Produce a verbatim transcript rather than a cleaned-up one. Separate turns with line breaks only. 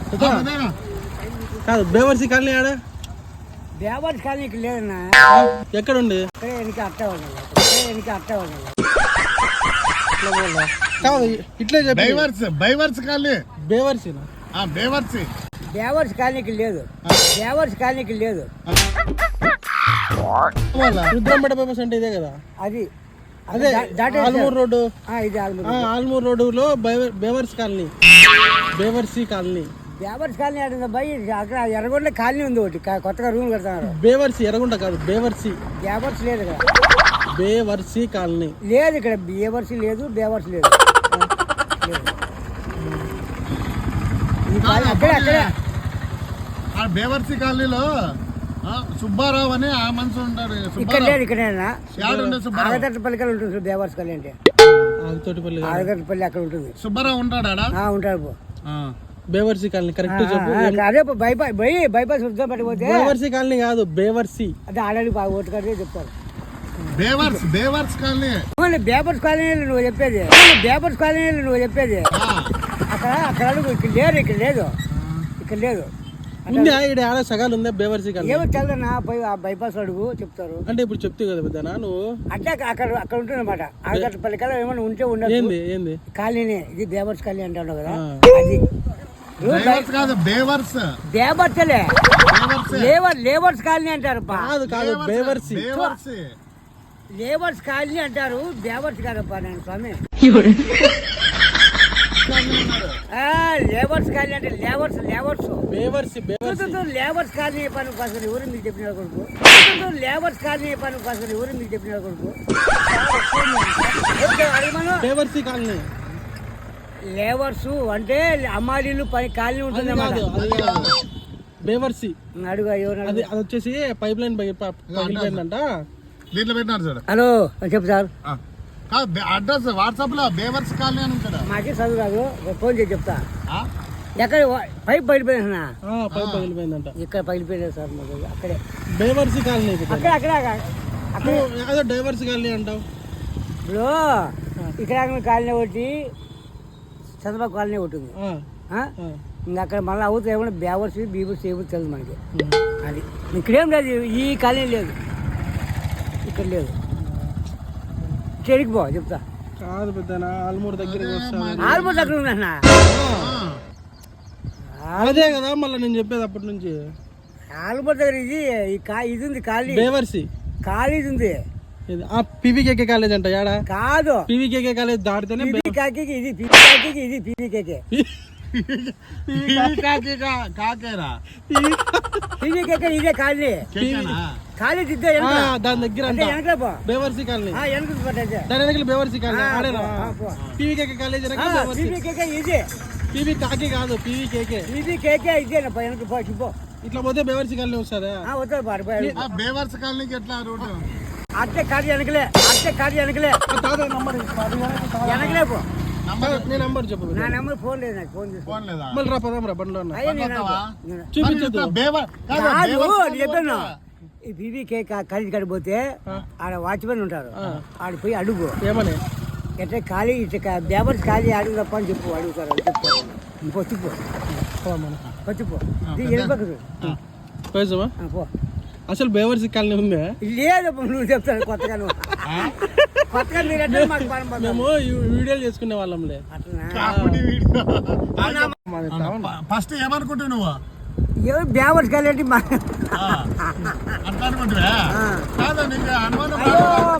కాదు బేవర్సి కాలనీ ఆడ
బేవర్స్ కాలనీకి లేదన్నా.
ఎక్కడ ఉంది?
అట్ట అట్ట
కాదు ఇట్లే చెప్పి
బైవర్స్ బైవర్స్ కాలనీ
బేవర్సి
బేవర్సి
బేవర్స్ కాలనీకి లేదు. బేవర్స్ కాలనీకి లేదు.
రుద్రంపేట బైపాస్ అంటే ఇదే కదా?
అది
అదే ఆల్మూర్ రోడ్డు.
ఇది ఆల్మూర్
ఆల్మూర్ రోడ్డులో బేవర్స్ కాలనీ, బేవర్సి కాలనీ.
బేవర్స్ కాలనీ ఆడింది అబ్బాయి. అక్కడ ఎర్రగొండ కాలనీ ఉంది ఒకటి, కొత్తగా రూమ్ కడతారు.
బేవర్సి ఎర్రగొండ కాదు, బేవర్సి.
బేవర్స్ లేదు ఇక్కడ.
బేవర్సి కాలనీ
లేదు ఇక్కడ. బేవర్సి లేదు, బేవర్స్ లేదు. అక్కడే అక్కడే
బేవర్సి కాలనీలో సుబ్బారావు అని ఆ మనిషి ఉంటాడు.
ఇక్కడ లేదు. ఇక్కడేనా ఆగతట్టపల్లికల్ ఉంటుంది బేవర్స్ కాలనీ అంటే.
ఆగతోటిపల్లి
ఆగతట్టపల్లి అక్కడ ఉంటుంది.
సుబ్బారావు ఉంటాడా?
ఉంటాడు.
బేవర్సి కాలనీ కరెక్ట్ చెప్పు.
అదే బైపాస్ బైపాస్ పట్టిపోతే
బేవర్సి కాలనీ కాదు, బేవర్సి.
అదే ఆల్రెడీ బాగా ఓటు కడితే చెప్తారు.
బేవర్స్ బేవర్స్ కాలనీ
బేవర్స్ కాలనీ నువ్వు చెప్పేది. బేవర్స్ కాలనీ నువ్వు చెప్పేది. అక్కడ అక్కడ అడుగు. ఇక్కడ లేరు. ఇక్కడ లేదు. ఇక్కడ లేదు.
ఉంది ఇక్కడ ఆడ సగాలు ఉందా బేవర్సి కాలనీ?
ఏమో తెలదన్నా. బైపాస్ అడుగు చెప్తారు.
అంటే ఇప్పుడు చెప్తే కదా పెద్దనా నువ్వు.
అంటే అక్కడ అక్కడ ఉంటుంది అనమాట. ఆగతట్టపల్లి కల్లా ఏమైనా ఉంటే ఉండదు.
ఏంది ఏంది
కాలనీ ఇది బేవర్స్ కాలనీ అంటాడు కదా. అది
బేవర్స్
బేవర్సలే. లేబర్ లేబర్స్ కాలనీ అంటారు.
కాదు కాదు బేవర్సి.
లేబర్స్ కాలనీ అంటారు. బేవర్స్ కాదప్పా నేను స్వామి. లేబర్స్ కాలనీ అంటే లేబర్స్ లేబర్స్
బేవర్సి బేవర్సి
లేబర్స్ కాలనీ పని కోసం ఎవరు మీకు చెప్పిన కొడుకు. లేబర్స్ కాలనీ పని కోసం ఎవరు మీకు చెప్పిన కొడుకు.
బేవర్సి కాలనీ
లేబర్స్ అంటే అమ్మాయిలు పని కాలనీ ఉంటుంది అన్నమాట.
బేవర్సి
అడుగు. ఎవరు
అది అది వచ్చేసి పైప్ లైన్ పగిలిపోయిందంట.
దీంట్లో పెట్టినారు సార్.
హలో చెప్పు సార్.
అడ్రస్ వాట్సాప్ లో బేవర్స్ కాలనీ అని ఉంటాడా?
మాకే చదువు రాదు. ఫోన్ చేసి చెప్తా. ఎక్కడ పైప్ పగిలిపోయినా?
పైప్ పగిలిపోయిందంట.
ఇక్కడ పగిలిపోయింది సార్. అక్కడే
బేవర్సి కాలనీ.
అక్కడ అక్కడ అక్కడ
అదే డైవర్స్ కాలనీ అంటావు.
ఇప్పుడు ఇక్కడ కాలనీ ఒకటి, చంద్రబాబు కాలనీ ఒకటి ఉంది. ఇంకా అక్కడ మళ్ళీ అవుతుంది ఏమన్నా బేవర్స్ బీవర్స్ ఏమో తెలుసు మనకి. అది ఇక్కడేం లేదు. ఈ కాలనీ లేదు. ఇక్కడ లేదు. చెరికి పో చెప్తా.
కాదు పెద్ద ఆల్మూర్ దగ్గర
ఆల్మూర్ దగ్గర ఉందన్నా.
అదే కదా మళ్ళీ నేను చెప్పేది అప్పటి నుంచి.
ఆల్మూర్ దగ్గర ఇది ఇది ఉంది కాలనీ.
బేవర్సి
కాలేజ్ ఉంది.
పీవీకేకే కాలేజ్ అంట. యాడా
కాదు.
పీవీకేకే కాలేజ్ దాటితేనే
పీవీకేకి ఇది పీవీకేకి ఇది పీవీకేకే పీవీకేకే ఇదే కాలనీ. కాలేజ్ ఇద్దే
దాని దగ్గర బేవర్సి కాలనీ. దాని దగ్గర బేవర్సి కాలనీ. ఆడేనా పీవీకేకే కాలేజ్?
పీవీకేకే ఇదే.
పీవీ కాకి కాదు, పీవీకేకే.
పీవీకేకే ఇదేనప్ప వెనక పో.
ఇట్లా పోతే బేవర్సి కాలనీ వస్తుందా?
వస్తుంది పాడిపోయి.
బేవర్స్ కాలనీకి ఎట్లా రూట్?
అట్టే కాదు వెనకలే. అట్టే కాదు వెనకలే. వెనకలే పో.
నేను నంబర్ చెప్పు.
నా నెంబర్ ఫోన్ లేదు నాకు. ఫోన్
ఫోన్ లేదా?
మళ్ళీ రా పదాం రా బండ్లో
చూపించు.
చెప్పాను ఈ పీవీకే కాలేజ్ కాడికి పోతే ఆడ వాచ్మెన్ ఉంటారు. ఆడ పోయి అడుగు
ఏమని.
ఎట్లా ఖాళీ ఇట్లా బేవర్స్ ఖాళీ అడుగు తప్ప అని చెప్పు. అడుగుతారు. చెప్తారు. పొచ్చిపో పొచ్చిపో పో.
అసలు బేవర్సి కాలనీ ఉందా?
లేదు. నువ్వు చెప్తాను కొత్తగా. నువ్వు కొత్తగా మీరు
మేము వీడియోలు చేసుకునే వాళ్ళంలే.
ఫస్ట్ ఏమనుకుంటావు నువ్వు?
ఎవరు బేవర్స్ కాలేంటి?